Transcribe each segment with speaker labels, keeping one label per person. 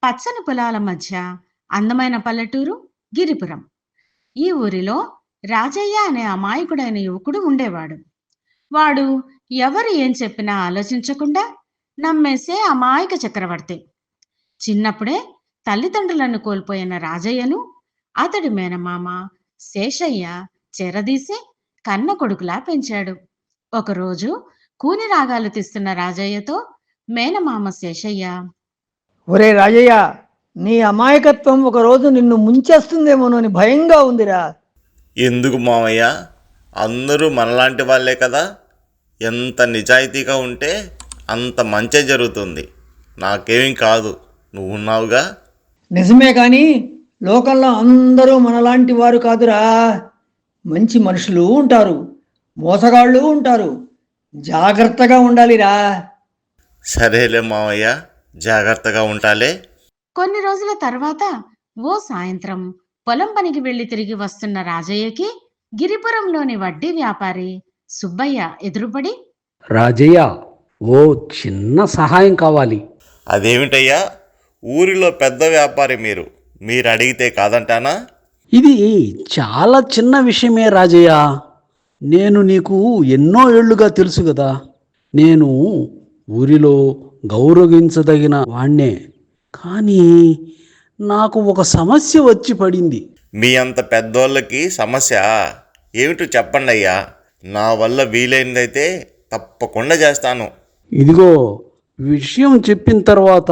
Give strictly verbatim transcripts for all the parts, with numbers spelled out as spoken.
Speaker 1: పచ్చని పొలాల మధ్య అందమైన పల్లెటూరు గిరిపురం. ఈ ఊరిలో రాజయ్య అనే అమాయకుడైన యువకుడు ఉండేవాడు. వాడు ఎవరు ఏం చెప్పినా ఆలోచించకుండా నమ్మేసే అమాయక చక్రవర్తి. చిన్నప్పుడే తల్లిదండ్రులను కోల్పోయిన రాజయ్యను అతడి మేనమామ శేషయ్య చెరదీసి కన్న కొడుకులా పెంచాడు. ఒకరోజు కూని రాగాలు తీస్తున్న రాజయ్యతో మేనమామ శేషయ్య,
Speaker 2: ఒరే రాజయ్య, నీ అమాయకత్వం ఒకరోజు నిన్ను ముంచేస్తుందేమోనని భయంగా ఉందిరా.
Speaker 3: ఎందుకు మావయ్య? అందరూ మనలాంటి వాళ్ళే కదా. ఎంత నిజాయితీగా ఉంటే అంత మంచే జరుగుతుంది. నాకేమీ కాదు, నువ్వున్నావుగా.
Speaker 2: నిజమే కానీ లోకంలో అందరూ మనలాంటి వారు కాదురా. మంచి మనుషులు ఉంటారు, మోసగాళ్ళు ఉంటారు. జాగ్రత్తగా ఉండాలిరా.
Speaker 3: సరేలే మావయ్య, జాగ్రత్తగా ఉంటాలే.
Speaker 1: కొన్ని రోజుల తర్వాత ఓ సాయంత్రం పొలం పనికి వెళ్లి తిరిగి వస్తున్న రాజయ్యకి గిరిపురంలోని వడ్డీ వ్యాపారి సుబ్బయ్య ఎదురుపడి,
Speaker 4: రాజయ్య, ఓ చిన్న సహాయం కావాలి.
Speaker 3: అదేమిటయ్యా? ఊరిలో పెద్ద వ్యాపారి మీరు, మీరు అడిగితే కాదంటానా?
Speaker 4: ఇది చాలా చిన్న విషయమే రాజయ్య. నేను నీకు ఎన్నో ఏళ్లుగా తెలుసు కదా. నేను ఊరిలో గౌరవించదగిన వాణ్ణే. కానీ నాకు ఒక సమస్య వచ్చి పడింది.
Speaker 3: మీ అంత పెద్దోళ్ళకి సమస్య ఏమిటో చెప్పండి అయ్యా. నా వల్ల వీలైనదైతే తప్పకుండా చేస్తాను.
Speaker 4: ఇదిగో, విషయం చెప్పిన తర్వాత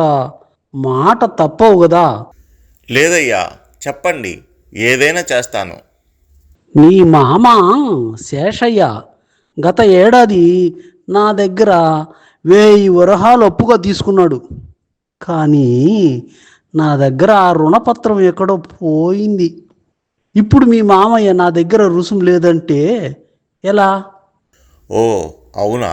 Speaker 4: మాట తప్పవు కదా.
Speaker 3: లేదయ్యా, చెప్పండి, ఏదైనా చేస్తాను.
Speaker 4: నీ మామ శేషయ్య గత ఏడాది నా దగ్గర వెయ్యి వరహాలు అప్పుగా తీసుకున్నాడు. కానీ నా దగ్గర ఆ రుణపత్రం ఎక్కడో పోయింది. ఇప్పుడు మీ మామయ్య నా దగ్గర రుసుము లేదంటే ఎలా?
Speaker 3: ఓ అవునా?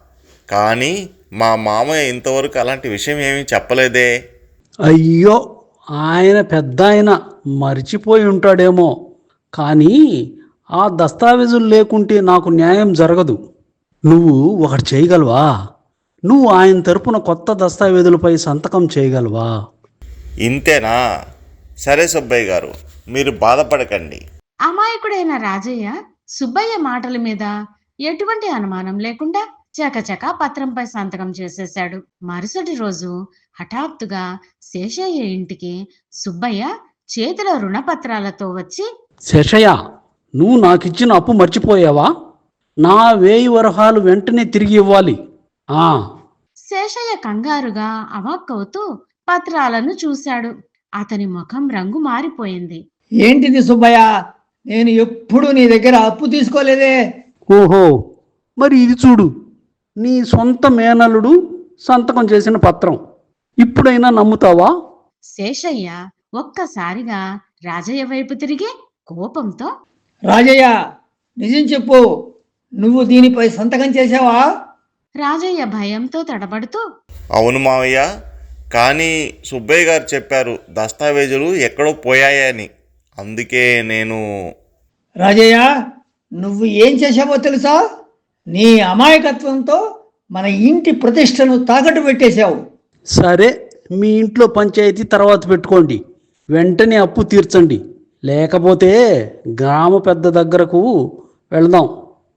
Speaker 3: కానీ మా మామయ్య ఇంతవరకు అలాంటి విషయం ఏమీ చెప్పలేదే.
Speaker 4: అయ్యో, ఆయన పెద్ద ఆయన మర్చిపోయి ఉంటాడేమో. కానీ ఆ దస్తావేజులు లేకుంటే నాకు న్యాయం జరగదు. నువ్వు ఒకటి చేయగలవా? నువ్వు ఆయన తరపున కొత్త దస్తావేజులపై సంతకం చేయగలవా?
Speaker 3: ఇంతేనా? సరే సుబ్బయ్య గారు, మీరు బాధపడకండి.
Speaker 1: అమాయకుడైన రాజయ్య సుబ్బయ్య మాటల మీద ఎటువంటి అనుమానం లేకుండా చకచకా పత్రంపై సంతకం చేసేశాడు. మరుసటి రోజు హఠాత్తుగా శేషయ్య ఇంటికి సుబ్బయ్య చేతిలో రుణపత్రాలతో వచ్చి,
Speaker 4: శేషయ్య, నువ్వు నాకిచ్చిన అప్పు మర్చిపోయావా? నా వేయి వరహాలు వెంటనే తిరిగి ఇవ్వాలి. ఆ
Speaker 1: శేషయ్య కంగారుగా అవాక్కవుతూ పత్రాలను చూశాడు. అతని ముఖం రంగు మారిపోయింది.
Speaker 2: ఏంటిది సుబ్బయ్య? నేను ఎప్పుడు నీ దగ్గర అప్పు తీసుకోలేదే.
Speaker 4: ఓహో, మరి ఇది చూడు, నీ సొంత మేనల్లుడు సంతకం చేసిన పత్రం. ఇప్పుడైనా నమ్ముతావా?
Speaker 1: శేషయ్య ఒక్కసారిగా రాజయ్య వైపు తిరిగి కోపంతో,
Speaker 2: రాజయ్య, నిజం చెప్పు, నువ్వు దీనిపై సంతకం చేసావా?
Speaker 1: రాజయ్య భయంతో తడబడుతూ,
Speaker 3: అవును మావయ్య, కానీ సుబ్బయ్య గారు చెప్పారు దస్తావేజులు ఎక్కడో పోయాయని. అందుకే నేను...
Speaker 2: రాజయ్య, నువ్వు ఏం చేసావో తెలుసా? నీ అమాయకత్వంతో మన ఇంటి ప్రతిష్టను తాకట్టు పెట్టేశావు.
Speaker 4: సరే, మీ ఇంట్లో పంచాయతీ తర్వాత పెట్టుకోండి. వెంటనే అప్పు తీర్చండి, లేకపోతే గ్రామ పెద్ద దగ్గరకు వెళదాం.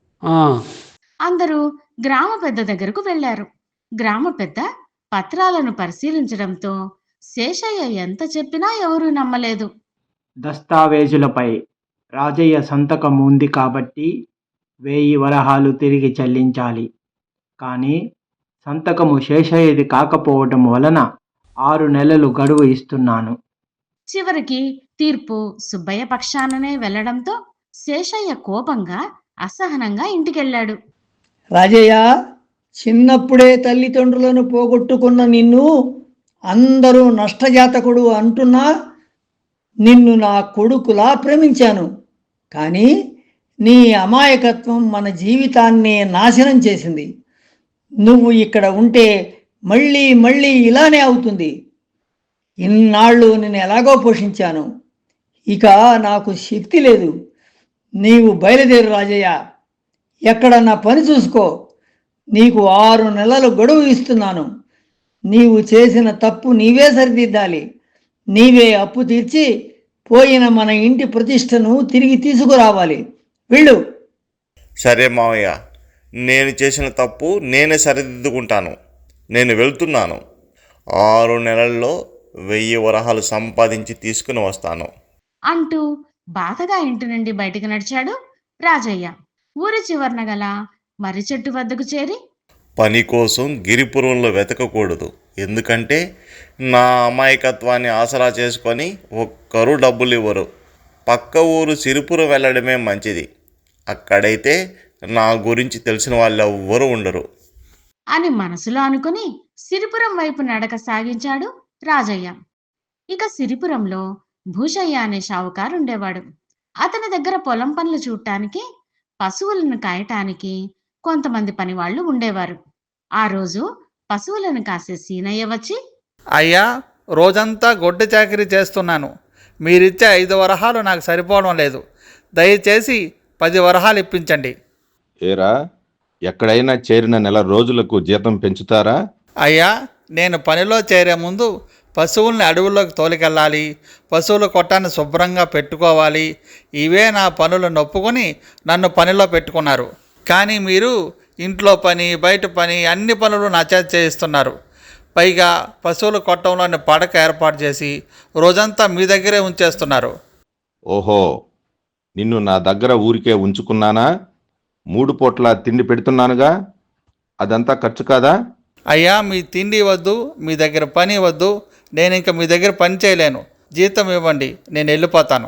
Speaker 1: అందరూ గ్రామ పెద్ద దగ్గరకు వెళ్లారు. గ్రామ పెద్ద పత్రాలను పరిశీలించడంతో శేషయ్య ఎంత చెప్పినా ఎవరూ నమ్మలేదు.
Speaker 5: దస్తావేజులపై రాజయ్య సంతకం ఉంది కాబట్టి వెయ్యి వరహాలు తిరిగి చెల్లించాలి. కానీ సంతకము శేషయ్యది కాకపోవటం వలన ఆరు నెలలు గడువు ఇస్తున్నాను.
Speaker 1: చివరికి తీర్పు సుబ్బయ్య పక్షాననే వెళ్లడంతో శేషయ్య కోపంగా అసహనంగా ఇంటికెళ్ళాడు.
Speaker 2: రాజయ్య, చిన్నప్పుడే తల్లిదండ్రులను పోగొట్టుకున్న నిన్ను అందరూ నష్టజాతకుడు అంటున్నా నిన్ను నా కొడుకులా ప్రేమించాను. కానీ నీ అమాయకత్వం మన జీవితాన్నే నాశనం చేసింది. నువ్వు ఇక్కడ ఉంటే మళ్ళీ మళ్ళీ ఇలానే అవుతుంది. ఇన్నాళ్ళు నేను ఎలాగో పోషించాను, ఇక నాకు శక్తి లేదు. నీవు బయలుదేరు రాజయ్య, ఎక్కడన్నా పని చూసుకో. నీకు ఆరు నెలలు గడువు ఇస్తున్నాను. నీవు చేసిన తప్పు నీవే సరిదిద్దాలి. నీవే అప్పు తీర్చి పోయిన మన ఇంటి ప్రతిష్టను తిరిగి తీసుకురావాలి. వెళ్ళు.
Speaker 3: సరే మావయ్య, నేను చేసిన తప్పు నేనే సరిదిద్దుకుంటాను. నేను వెళ్తున్నాను. ఆరు నెలల్లో వెయ్యి వరహాలు సంపాదించి తీసుకుని వస్తాను
Speaker 1: అంటూ బాధగా ఇంటి నుండి బయటికి నడిచాడు రాజయ్య. ఊరి చివరన గల మర్రి చెట్టు వద్దకు చేరి,
Speaker 3: పని కోసం గిరిపురంలో వెతకకూడదు. ఎందుకంటే నా అమాయకత్వాన్ని ఆసరా చేసుకొని ఒక్కరూ డబ్బులు ఇవ్వరు. పక్క ఊరు సిరిపురం వెళ్ళడమే మంచిది. అక్కడైతే నా గురించి తెలిసిన వాళ్ళు ఎవ్వరూ ఉండరు
Speaker 1: అని మనసులో అనుకుని సిరిపురం వైపు నడక సాగించాడు రాజయ్య. ఇక సిరిపురంలో భూషయ్య అనే షావుకారు ఉండేవాడు. అతని దగ్గర పొలం పనులు చూడటానికి, పశువులను కాయటానికి కొంతమంది పనివాళ్లు ఉండేవారు. ఆ రోజు పశువులను కాసే సీనయ్య వచ్చి,
Speaker 6: అయ్యా, రోజంతా గొడ్డు చాకిరీ చేస్తున్నాను. మీరిచ్చే ఐదు వరహాలు నాకు సరిపోవడం లేదు. దయచేసి పది వరహాలు ఇప్పించండి.
Speaker 7: ఏరా, ఎక్కడైనా చేరిన నెల రోజులకు జీతం పెంచుతారా?
Speaker 6: అయ్యా, నేను పనిలో చేరే ముందు పశువుల్ని అడవుల్లోకి తోలికెళ్ళాలి, పశువుల కొట్టాన్ని శుభ్రంగా పెట్టుకోవాలి. ఇవే నా పనులు నొప్పుకొని నన్ను పనిలో పెట్టుకున్నారు. కానీ మీరు ఇంట్లో పని, బయట పని, అన్ని పనులు నా చేత చేయిస్తున్నారు. పైగా పశువుల కొట్టంలోని పడక ఏర్పాటు చేసి రోజంతా మీ దగ్గరే ఉంచేస్తున్నారు.
Speaker 7: ఓహో, నిన్ను నా దగ్గర ఊరికే ఉంచుకున్నానా? మూడు పూట్ల తిండి పెడుతున్నానుగా, అదంతా ఖర్చు కాదా?
Speaker 6: అయ్యా, మీ తిండి వద్దు, మీ దగ్గర పని వద్దు. నేను ఇంకా మీ దగ్గర పని చేయలేను. జీతం ఇవ్వండి, నేను వెళ్ళిపోతాను.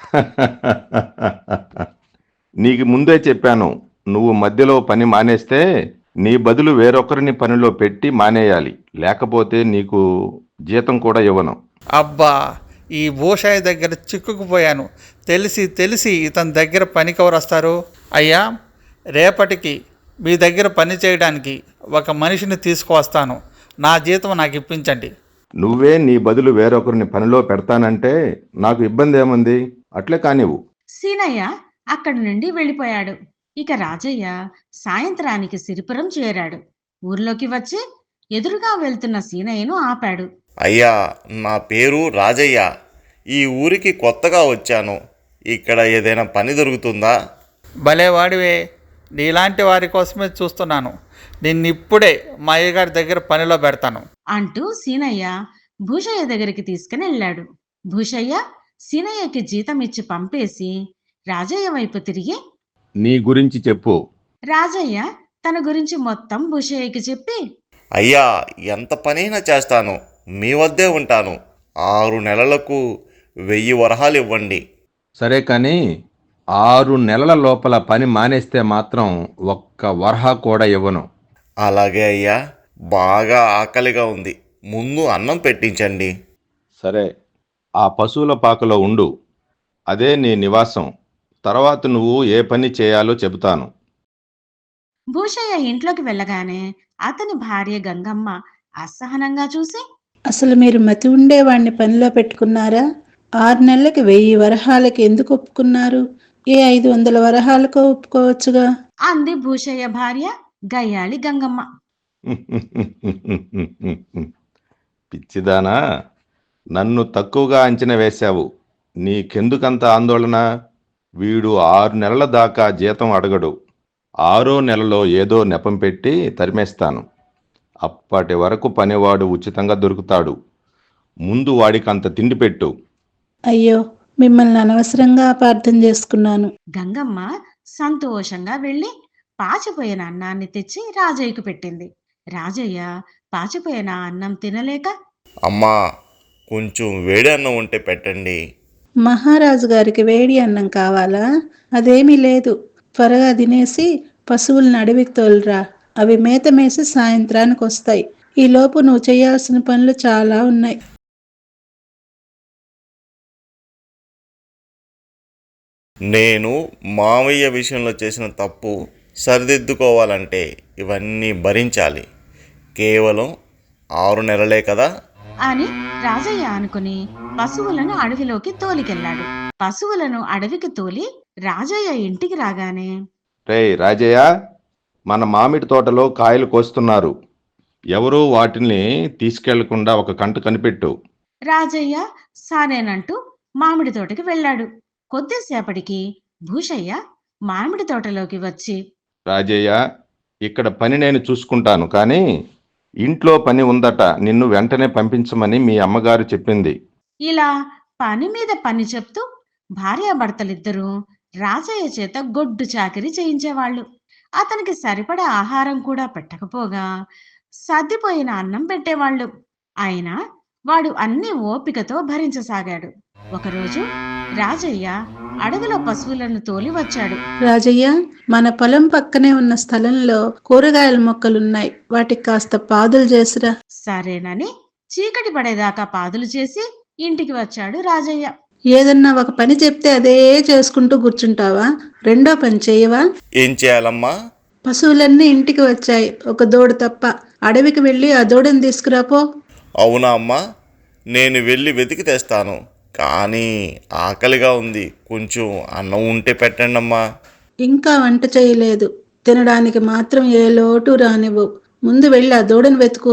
Speaker 7: నీకు ముందే చెప్పాను, నువ్వు మధ్యలో పని మానేస్తే నీ బదులు వేరొకరిని పనిలో పెట్టి మానేయాలి. లేకపోతే నీకు జీతం కూడా ఇవ్వను.
Speaker 6: అబ్బా, ఈ భూషయ్య దగ్గర చిక్కుకుపోయాను. తెలిసి తెలిసి ఇతని దగ్గర పనికెవరు వస్తారు? అయ్యా, రేపటికి మీ దగ్గర పని చేయడానికి ఒక మనిషిని తీసుకువస్తాను. నా జీతం నాకు ఇప్పించండి.
Speaker 7: నువ్వే నీ బదులు వేరొకరిని పనిలో పెడతానంటే నాకు ఇబ్బంది ఏముంది? అట్లే కానివ్వు.
Speaker 1: సీనయ్య అక్కడి నుండి వెళ్ళిపోయాడు. ఇక రాజయ్య సాయంత్రానికి సిరిపురం చేరాడు. ఊర్లోకి వచ్చి ఎదురుగా వెళ్తున్న సీనయ్యను ఆపాడు.
Speaker 3: అయ్యా, నా పేరు రాజయ్య. ఈ ఊరికి కొత్తగా వచ్చాను. ఇక్కడ ఏదైనా పని దొరుకుతుందా?
Speaker 6: భలే వాడివే, నీలాంటి వారి కోసమే చూస్తున్నాను. నిన్నిప్పుడే మా అయ్యగారి దగ్గర పనిలో పెడతాను
Speaker 1: అంటూ సీనయ్య భూషయ్య దగ్గరికి తీసుకుని వెళ్ళాడు. భూషయ్య సీనయ్యకి జీతం ఇచ్చి పంపేసి రాజయ్య వైపు తిరిగి,
Speaker 7: నీ గురించి చెప్పు.
Speaker 1: రాజయ్య తన గురించి మొత్తం భూషయ్యకి చెప్పి,
Speaker 3: అయ్యా, ఎంత పనైనా చేస్తాను. మీ వద్దే ఉంటాను. ఆరు నెలలకు వెయ్యి వరహాలు ఇవ్వండి.
Speaker 7: సరే, కానీ ఆరు నెలల లోపల పని మానేస్తే మాత్రం ఒక్క వరహా కూడా ఇవ్వను.
Speaker 3: అలాగే అయ్యా, బాగా ఆకలిగా ఉంది. ముందు అన్నం పెట్టించండి.
Speaker 7: సరే, ఆ పశువుల పాకలో ఉండు. అదే నీ నివాసం. తర్వాత నువ్వు ఏ పని చేయాలో చెబుతాను.
Speaker 1: భూషయ్య ఇంట్లోకి వెళ్ళగానే అతని భార్య గంగమ్మ అసహనంగా చూసి,
Speaker 8: అసలు మీరు మతి ఉండేవాణ్ణి పనిలో పెట్టుకున్నారా? ఆరు నెలలకి వెయ్యి వరహాలకి ఎందుకు ఒప్పుకున్నారు? ఏ ఐదు వందల వరహాలకు ఒప్పుకోవచ్చుగా
Speaker 1: అంది భూషయ్య భార్య గయ్యాళి గంగమ్మ.
Speaker 7: పిచ్చిదానా, నన్ను తక్కువగా అంచనా వేశావు. నీకెందుకంత ఆందోళన? వీడు ఆరు నెలల దాకా జీతం అడగడు. ఆరో నెలలో ఏదో నెపం పెట్టి తరిమేస్తాను. అప్పటి వరకు పనివాడు ఉచితంగా దొరుకుతాడు. ముందు వాడికి అంత తిండి పెట్టు.
Speaker 8: అయ్యో, మిమ్మల్ని అనవసరంగా అపార్థం చేసుకున్నాను.
Speaker 1: గంగమ్మ సంతోషంగా వెళ్ళి పాచిపోయిన అన్నాన్ని తెచ్చి రాజయ్యకు పెట్టింది. రాజయ్య పాచిపోయిన అన్నం తినలేక,
Speaker 3: అమ్మా, కొంచెం వేడి అన్నం ఉంటే పెట్టండి.
Speaker 8: మహారాజు గారికి వేడి అన్నం కావాలా? అదేమీ లేదు. త్వరగా తినేసి పశువులను అడవికి తోలురా. అవి మేత మేసి సాయంత్రానికి వస్తాయి. ఈలోపు నువ్వు చేయాల్సిన పనులు చాలా ఉన్నాయి.
Speaker 3: నేను మావయ్య విషయంలో చేసిన తప్పు సరిదిద్దుకోవాలంటే ఇవన్నీ భరించాలి. కేవలం ఆరు నెలలే కదా
Speaker 1: అని రాజయ్య అనుకుని పశువులను అడవిలోకి తోలికెళ్ళాడు. పశువులను అడవికి తోలి రాజయ్య ఇంటికి రాగానే,
Speaker 7: రేయ్ రాజయ్య, మన మామిడి తోటలో కాయలు కోస్తున్నారు. ఎవరూ వాటిని తీసుకెళ్లకుండా ఒక కంట కనిపెట్టు.
Speaker 1: రాజయ్య సారేనంటూ మామిడి తోటకి వెళ్ళాడు. కొద్దిసేపటికి భూషయ్య మామిడి తోటలోకి వచ్చి,
Speaker 7: రాజయ్య, ఇక్కడ పని నేను చూసుకుంటాను, కానీ ఇంట్లో పని ఉందట, నిన్ను వెంటనే పంపించమని మీ అమ్మగారు చెప్పింది.
Speaker 1: ఇలా పని మీద పని చెప్తూ భార్యాభర్తలిద్దరూ రాజయ్య చేత గొడ్డు చాకిరీ చేయించేవాళ్ళు. అతనికి సరిపడా ఆహారం కూడా పెట్టకపోగా సర్దిపోయిన అన్నం పెట్టేవాళ్ళు. అయినా వాడు అన్ని ఓపికతో భరించసాగాడు. ఒకరోజు రాజయ్య అడవిలో పశువులను తోలి వచ్చాడు.
Speaker 8: రాజయ్య, మన పొలం పక్కనే ఉన్న స్థలంలో కూరగాయల మొక్కలున్నాయి, వాటికి కాస్త పాదులు చేసిరా.
Speaker 1: సరేనని చీకటి పడేదాకా పాదులు చేసి ఇంటికి వచ్చాడు రాజయ్య.
Speaker 8: ఏదన్నా ఒక పని చెప్తే అదే చేసుకుంటూ కూర్చుంటావా? రెండో పని చేయవా?
Speaker 3: ఏం చేయాలమ్మా?
Speaker 8: పశువులన్నీ ఇంటికి వచ్చాయి, ఒక దూడ తప్ప. అడవికి వెళ్ళి ఆ దూడని తీసుకురాపో.
Speaker 3: అవునా అమ్మా, నేను వెళ్ళి వెతికి తెస్తాను. కానీ ఆకలిగా ఉంది, కొంచెం అన్నం ఉంటే పెట్టండి అమ్మా.
Speaker 8: ఇంకా వంట చేయలేదు, తినడానికి మాత్రం ఏ లోటు రానివ్వు. ముందు వెళ్ళి ఆ దూడని వెతుకు.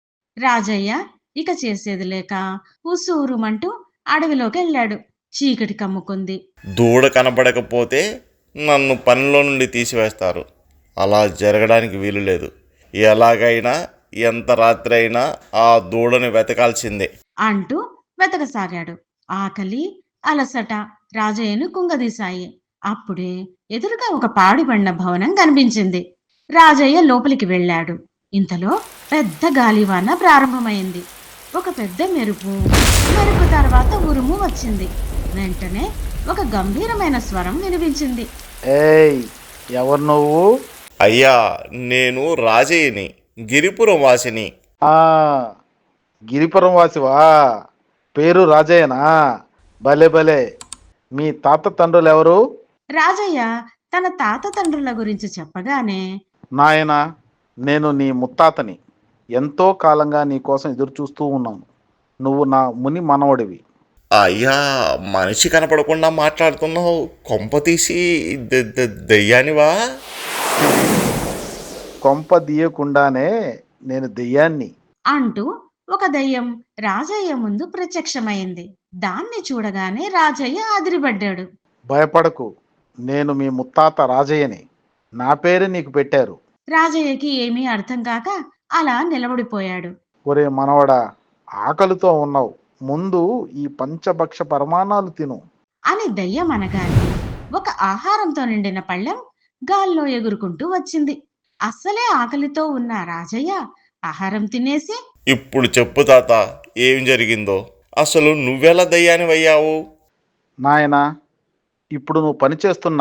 Speaker 1: రాజయ్య ఇక చేసేది లేక ఉసూరుమంటూ అడవిలోకి వెళ్ళాడు. చీకటి కమ్ముకుంది.
Speaker 3: దూడ కనబడకపోతే నన్ను పనిలో నుండి తీసివేస్తారు. అలా జరగడానికి వీలు లేదు. ఎలాగైనా ఎంత రాత్రి అయినా ఆ దూడని వెతకాల్సిందే
Speaker 1: అంటూ వెతకసాగాడు. ఆకలి, అలసట రాజయ్యను కుంగదీశాయి. అప్పుడే ఎదురుగా ఒక పాడుబడిన భవనం కనిపించింది. రాజయ్య లోపలికి వెళ్ళాడు. ఇంతలో పెద్ద గాలివాన ప్రారంభమైంది. ఒక పెద్ద మెరుపు, మెరుపు తర్వాత ఉరుము వచ్చింది. వెంటనే ఒక గంభీరమైన స్వరం వినిపించింది.
Speaker 9: ఏయ్, ఎవరు నువ్వు?
Speaker 3: అయ్యా, నేను రాజయ్యని, గిరిపురం వాసిని.
Speaker 9: ఆ గిరిపురం వాసివా? పేరు రాజయ్యనా? భలే భలే. మీ తాత తండ్రులు ఎవరు?
Speaker 1: రాజయ్య తన తాత తండ్రుల గురించి చెప్పగానే,
Speaker 9: నాయనా, నేను నీ ముత్తాతని. ఎంతో కాలంగా నీ కోసం ఎదురు చూస్తూ ఉన్నాను. నువ్వు నా ముని మనవడివి.
Speaker 3: అయ్యా, మనిషి కనపడకుండా మాట్లాడుతున్నావు. కొంప తీసి దె- దె- దెయ్యానివా?
Speaker 9: కొంప దీయకుండానే నేను దెయ్యాన్ని.
Speaker 1: అంటూ ఒక దయ్యం రాజయ్య ముందు ప్రత్యక్షమైంది. దాన్ని చూడగానే రాజయ్య అదిరిపడ్డాడు.
Speaker 9: భయపడకు, నేను మీ ముత్తాత రాజయ్యని. నా పేరు నీకు పెట్టారు.
Speaker 1: రాజయ్యకి ఏమీ అర్థం కాక అలా నిలబడిపోయాడు.
Speaker 9: ఒరే మనవడా, ఆకలితో ఉన్నావు, ముందు ఈ పంచభక్ష పరమాణాలు తిను.
Speaker 1: అని దయ్యం అనగానే ఒక ఆహారంతో నిండిన పళ్ళెం గాల్లో ఎగురుకుంటూ వచ్చింది. అస్సలే ఆకలితో ఉన్న రాజయ్య ఆహారం తినేసి,
Speaker 3: ఇప్పుడు చెప్పు తాత, ఏం జరిగిందో. అసలు నువ్వెలా దయ్యానివయ్యావు?
Speaker 9: నాయనా, ఇప్పుడు నువ్వు పనిచేస్తున్న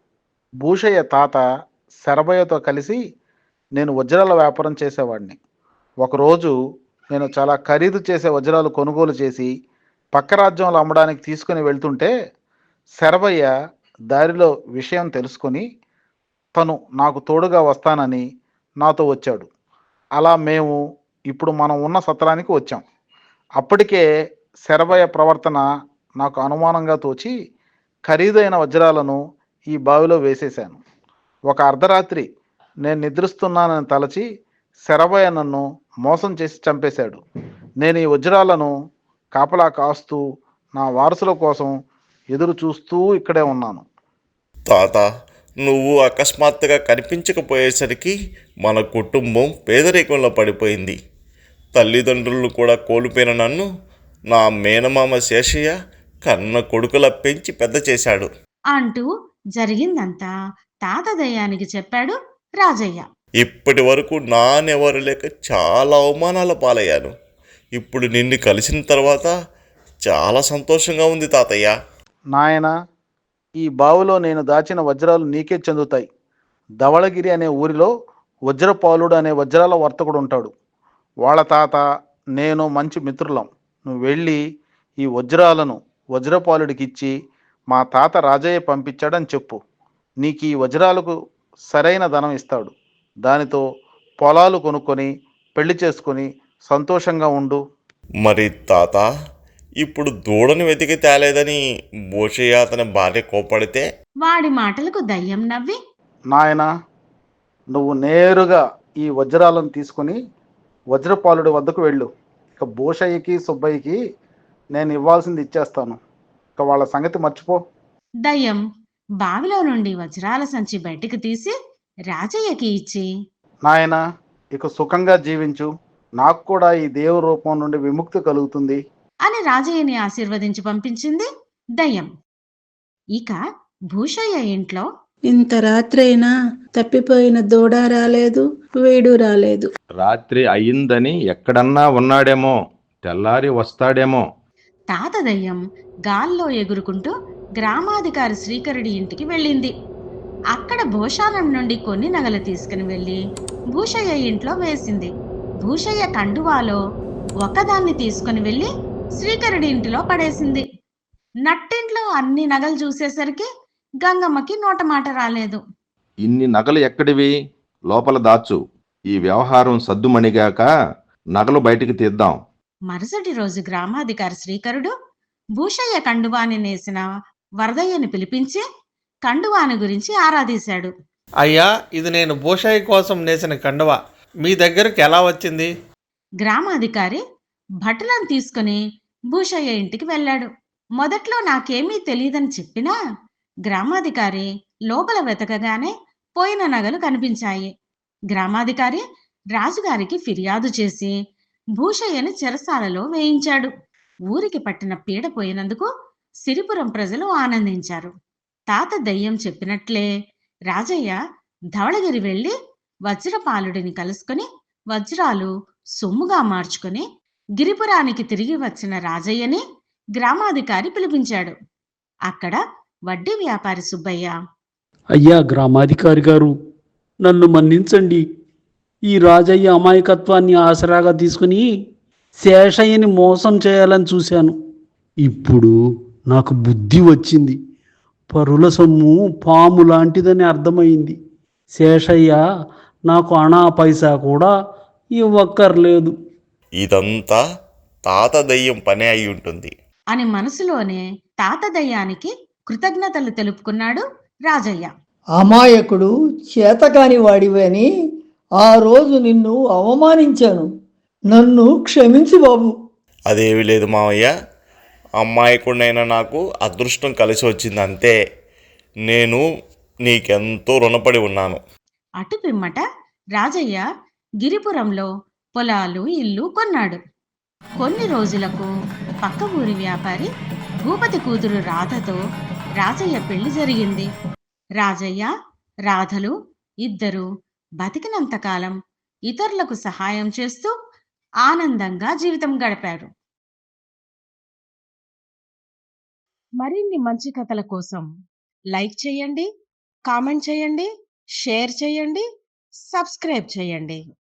Speaker 9: భూషయ్య తాత శరభయ్యతో కలిసి నేను వజ్రాల వ్యాపారం చేసేవాడిని. ఒకరోజు నేను చాలా ఖరీదు చేసే వజ్రాలు కొనుగోలు చేసి పక్క రాజ్యంలో అమ్మడానికి తీసుకుని వెళ్తుంటే శరభయ్య దారిలో విషయం తెలుసుకొని తను నాకు తోడుగా వస్తానని నాతో వచ్చాడు. అలా మేము ఇప్పుడు మనం ఉన్న సత్రానికి వచ్చాం. అప్పటికే శరభయ్య ప్రవర్తన నాకు అనుమానంగా తోచి ఖరీదైన వజ్రాలను ఈ బావిలో వేసేశాను. ఒక అర్ధరాత్రి నేను నిద్రిస్తున్నానని తలచి శరభయ్య నన్ను మోసం చేసి చంపేశాడు. నేను ఈ వజ్రాలను కాపలా కాస్తూ నా వారసుల కోసం ఎదురు చూస్తూ ఇక్కడే ఉన్నాను.
Speaker 3: తాత, నువ్వు అకస్మాత్తుగా కనిపించకపోయేసరికి మన కుటుంబం పేదరికంలో పడిపోయింది. తల్లిదండ్రులను కూడా కోల్పోయిన నన్ను నా మేనమామ శేషయ్య కన్న కొడుకులా పెంచి పెద్ద చేశాడు.
Speaker 1: అంటూ జరిగిందంతా తాత దయ్యానికి చెప్పాడు రాజయ్య.
Speaker 3: ఇప్పటి వరకు నానెవరు లేక చాలా అవమానాల పాలయ్యాను. ఇప్పుడు నిన్ను కలిసిన తర్వాత చాలా సంతోషంగా ఉంది తాతయ్య.
Speaker 9: నాయన, ఈ బావిలో నేను దాచిన వజ్రాలు నీకే చెందుతాయి. ధవళగిరి అనే ఊరిలో వజ్రపాలుడు అనే వజ్రాల వర్తకుడు ఉంటాడు. వాళ్ళ తాత నేను మంచి మిత్రులం. నువ్వు వెళ్ళి ఈ వజ్రాలను వజ్రపాలుడికి ఇచ్చి మా తాత రాజయ్య పంపించాడని చెప్పు. నీకు ఈ వజ్రాలకు సరైన ధనం ఇస్తాడు. దానితో పొలాలు కొనుక్కొని పెళ్లి చేసుకొని సంతోషంగా ఉండు.
Speaker 3: మరి తాత, ఇప్పుడు దూడను వెతికి తేలేదని భూషయ్య అతని భార్య కోపడితే?
Speaker 1: వాడి మాటలకు దయ్యం నవ్వి,
Speaker 9: నాయనా, నువ్వు నేరుగా ఈ వజ్రాలను తీసుకొని వజ్రపాలుడి వద్దకు వెళ్ళు. ఇక భూషయ్యకి సుబ్బయ్యకి నేను ఇవ్వాల్సింది ఇచ్చేస్తాను. ఇక వాళ్ళ సంగతి మర్చిపో.
Speaker 1: దయ్యం బావిలో నుండి వజ్రాల సంచి బయటికి తీసి రాజయ్యకి ఇచ్చి,
Speaker 9: నాయనా, ఇక సుఖంగా జీవించు. నాకు కూడా ఈ దేవ రూపం నుండి విముక్తి కలుగుతుంది.
Speaker 1: అని రాజయ్యని ఆశీర్వదించి పంపించింది దయ్యం. ఇక భూషయ్య ఇంట్లో
Speaker 8: ఇంత రాత్రైనా తప్పిపోయిన దూడ రాలేదు, వీడు రాలేదు.
Speaker 7: రాత్రి అయిందని ఎక్కడన్నా ఉన్నాడేమో, తెల్లారి వస్తాడేమో.
Speaker 1: తాత దయ్యం గాల్లో ఎగురుకుంటూ గ్రామాధికారి శ్రీకరుడి ఇంటికి వెళ్ళింది. అక్కడ భూషానం నుండి కొన్ని నగలు తీసుకుని వెళ్ళి భూషయ్య ఇంట్లో వేసింది. భూషయ్య కండువాలో ఒకదాన్ని తీసుకుని వెళ్ళి శ్రీకరుడి ఇంటిలో పడేసింది. నట్టింట్లో అన్ని నగలు చూసేసరికి గంగమ్మకి నోటమాట రాలేదు.
Speaker 7: ఇన్ని నగలు ఎక్కడివి? లోపల దాచు. ఈ వ్యవహారం సద్దుమణిగాక నగలు బయటికి తీద్దాం.
Speaker 1: మరుసటి రోజు గ్రామాధికారి శ్రీకరుడు భూషయ్య కండువాని నేసిన వరదయ్యని పిలిపించి కండువాని గురించి ఆరాధీశాడు.
Speaker 6: అయ్యా, ఇది నేను భూషయ్య కోసం నేసిన కండువా మీ దగ్గరికి ఎలా వచ్చింది?
Speaker 1: గ్రామాధికారి భటులను తీసుకుని భూషయ్య ఇంటికి వెళ్ళాడు. మొదట్లో నాకేమీ తెలియదని చెప్పినా గ్రామాధికారి లోపల వెతకగానే పోయిన నగలు కనిపించాయి. గ్రామాధికారి రాజుగారికి ఫిర్యాదు చేసి భూషయ్యని చెరసాలలో వేయించాడు. ఊరికి పట్టిన పీడ పోయినందుకు సిరిపురం ప్రజలు ఆనందించారు. తాత దయ్యం చెప్పినట్లే రాజయ్య ధవళగిరి వెళ్ళి వజ్రపాలుడిని కలుసుకుని వజ్రాలు సొమ్ముగా మార్చుకుని గిరిపురానికి తిరిగి వచ్చిన రాజయ్యని గ్రామాధికారి పిలిపించాడు. అక్కడ వడ్డీ వ్యాపారి సుబ్బయ్య,
Speaker 4: అయ్యా గ్రామాధికారి గారు, నన్ను మన్నించండి. ఈ రాజయ్య అమాయకత్వాన్ని ఆసరాగా తీసుకుని శేషయ్యని మోసం చేయాలని చూశాను. ఇప్పుడు నాకు బుద్ధి వచ్చింది. పరుల సొమ్ము పాము లాంటిదని అర్థమైంది. శేషయ్య నాకు అణా పైసా కూడా ఇవ్వక్కర్లేదు.
Speaker 3: ఇదంతా తాత దయ్యం పనే అయి ఉంటుంది.
Speaker 1: అని మనసులోనే తాత దయ్యానికి కృతజ్ఞతలు తెలుపుకున్నాడు రాజయ్య.
Speaker 2: అమాయకుడు చేతకాని వాడివని ఆ రోజు నిన్ను అవమానించాను. నన్ను క్షమించు బాబు.
Speaker 3: అదేమీ లేదు మావయ్య, అమ్మాయికుడైనా నాకు అదృష్టం కలిసి వచ్చింది అంతే. నేను నీకెంతో రుణపడి ఉన్నాను.
Speaker 1: అటు పిమ్మట రాజయ్య గిరిపురంలో పొలాలు ఇల్లు కొన్నాడు. కొన్ని రోజులకు పక్క ఊరి వ్యాపారి భూపతి కూతురు రాధతో రాజయ్య పెళ్లి జరిగింది. రాజయ్య రాధలు ఇద్దరు బతికినంతకాలం ఇతరులకు సహాయం చేస్తూ ఆనందంగా జీవితం గడిపారు. మరిన్ని మంచి కథల కోసం లైక్ చేయండి, కామెంట్ చేయండి, షేర్ చేయండి, సబ్స్క్రైబ్ చేయండి.